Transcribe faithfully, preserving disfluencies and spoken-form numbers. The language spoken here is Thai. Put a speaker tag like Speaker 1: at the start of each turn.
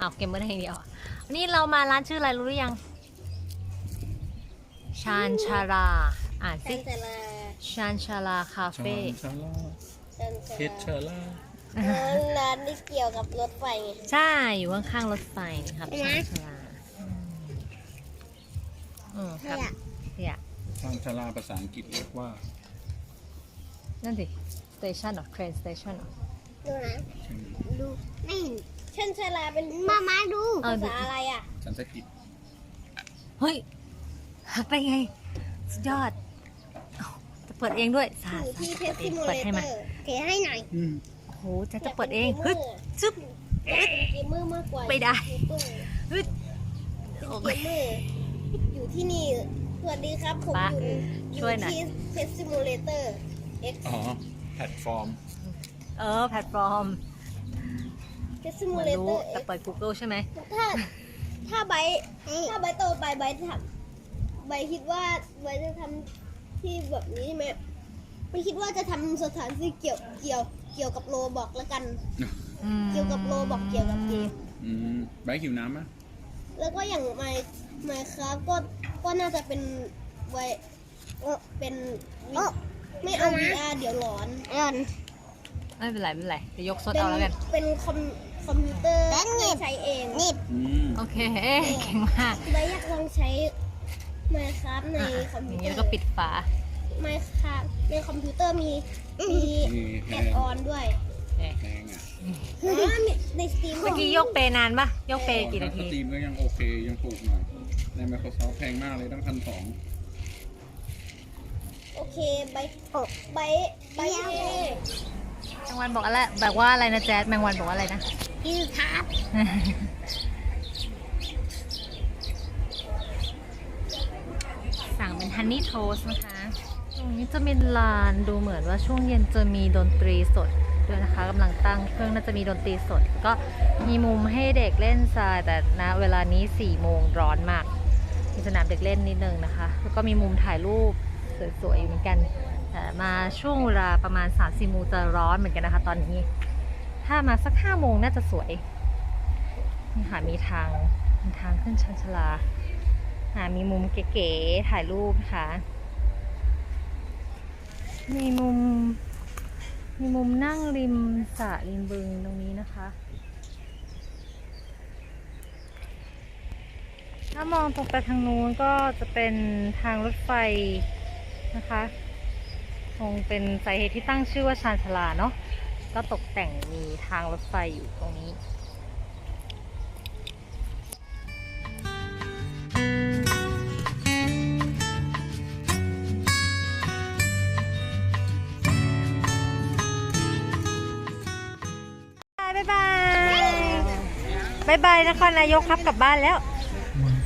Speaker 1: อ้าวเกมเมอร์อย่างเดียววันนี้เรามาร้านชื่ออะไรรู้หรือยังชานชาราอ่านสิชานชาราคาเฟ่
Speaker 2: ชาล่าเพชรชาล่า
Speaker 3: ร้านที่เกี่ยวกับรถไฟไง
Speaker 1: ใช่อยู่ข้างๆรถไฟครับชานชาราอืมครับเนี่ย
Speaker 2: ชานชาล่าภาษาอังกฤษเรียกว่า
Speaker 1: นั่นสิ station หรอ train station หรอ
Speaker 3: ดูนะดูไม่เห็นเช่นชาลาเป็นมามาดูภาษาอะไรอ่ะ
Speaker 2: สันสกฤต
Speaker 1: เฮ้ยหักได้ไงสุดยอดอ้าวจะเปิดเองด้วยสา
Speaker 3: อยู่
Speaker 1: สา
Speaker 3: ที่
Speaker 1: จะ
Speaker 3: เท
Speaker 1: เปิ
Speaker 3: ส
Speaker 1: ดเอ
Speaker 3: ซิ
Speaker 1: ง
Speaker 3: มู
Speaker 1: เปิ
Speaker 3: เล
Speaker 1: ด
Speaker 3: เต
Speaker 1: ให้
Speaker 3: อ
Speaker 1: มา
Speaker 3: ร์เทให้หน่อย
Speaker 2: อืม
Speaker 1: โอ้โหจะจะเปิดเองฮึดซึบ
Speaker 3: เป็นเกมเมอร์มากกว่า
Speaker 1: ไม่ได้ ฮึด
Speaker 3: เป็น
Speaker 1: โอ
Speaker 3: เก
Speaker 1: เค
Speaker 3: มเมอร์อยู่ที่นี่สวัสดีครับผม
Speaker 1: ปะ
Speaker 3: อยู่อ
Speaker 1: ช่
Speaker 3: ยู่
Speaker 1: วยหน่อย
Speaker 3: ที่เทสซิมูเลเตอร์ X
Speaker 2: อ๋อแพลตฟอร์ม
Speaker 1: เออแพลตฟอร์ม
Speaker 3: เทสซิ
Speaker 1: เห
Speaker 3: มู
Speaker 1: มือน
Speaker 3: เลเต
Speaker 1: รู้
Speaker 3: อร์
Speaker 1: แต่เปิด Google ใช่ไหม
Speaker 3: ถ้าถ้าไบร์ทถ้าไบร์ทโตไปไบร์ททำไบร์ทคิดว่าไบร์ทจะทำที่แบบนี้ใช่ไหมไม่คิดว่าจะทำสถานที่เกี่ยวเกี่ยวเกี่ยวกับโลบอกแล้วกัน เกี่ยวกับโลบอกเกี่ยวกับเกม
Speaker 2: อืมไบร์ทหิวน้ำไหม
Speaker 3: แล้วก็อย่างไมไมครับก็ก็น่าจะเป็นไวเออเป็นวิไม่เอา วี อาร์ เดี๋ยวร้อนร้อน
Speaker 1: ไม่เป็นไรไม่เป็นไรจะยกซด
Speaker 3: เป็น
Speaker 1: เอาแล้วกัน
Speaker 3: เป็นคอมคอมพิวเตอร์ไม่ใช้เองนี่
Speaker 2: อืม
Speaker 1: โอเคเก่งมาก
Speaker 3: ไบร์ทอยากลองใช้ไมครับใน
Speaker 1: อ่ะ
Speaker 3: คอม
Speaker 1: อ
Speaker 3: พิว
Speaker 1: ย่าง
Speaker 3: เต
Speaker 1: นี้
Speaker 3: อ
Speaker 1: แล้ว
Speaker 3: ร์
Speaker 1: ก็ปิดฝา
Speaker 3: ไมครับในคอมพิวเตอร์มีมี
Speaker 2: นี่แพ
Speaker 3: แอด
Speaker 2: ง
Speaker 3: ออนด้วย
Speaker 1: โอเค
Speaker 2: แพงอ่ะ
Speaker 3: อ๋อมีในสตรีม
Speaker 1: เมื่อกี้ยกเปนานปะยกเปกี่นา
Speaker 2: ส
Speaker 1: ที
Speaker 2: ตรีมก็ยังโอเคยังถูกหน่อย ใน Microsoft แพงมากเลยตั้งพันสอง
Speaker 3: โอเคไบร์ทไบร์ทไบร์ทเอ
Speaker 1: แมงวันบอกอะไรแบบว่าอะไรนะแจ๊ดแมงวันบอกว่าอะไรนะ
Speaker 3: คือครับ
Speaker 1: สั่งเป็นฮันนี่โทสนะคะตรงนี้จะเป็นลานดูเหมือนว่าช่วงเย็นจะมีดนตรีสดด้วยนะคะกำลังตั้งเครื่องน่าจะมีดนตรีสด ก็มีมุมให้เด็กเล่นทรายแต่นะเวลานี้สี่โมงร้อนมากมีสนามเด็กเล่นนิดนึงนะคะแล้วก็มีมุมถ่ายรูปสวยๆอยู่เหมือนกันแต่มาช่วงเวลาประมาณ สามสี่โมงจะร้อนเหมือนกันนะคะ ตอนนี้ถ้ามาสักห้าโมงน่าจะสวยนี่ค่ะมีทางมีทางขึ้นชันชลาหามีมุมเก๋ๆถ่ายรูปนะคะมีมุมมีมุมนั่งริมสระริมบึงตรงนี้นะคะ ถ้ามองตรงไปทางนู้นก็จะเป็นทางรถไฟนะคะคงเป็นสาเหตุที่ตั้งชื่อว่าชานชาลาเนาะก็ตกแต่งมีทางรถไฟอยู่ตรงนี้บายบายบายบายนครนายกครับกลับบ้านแล้ว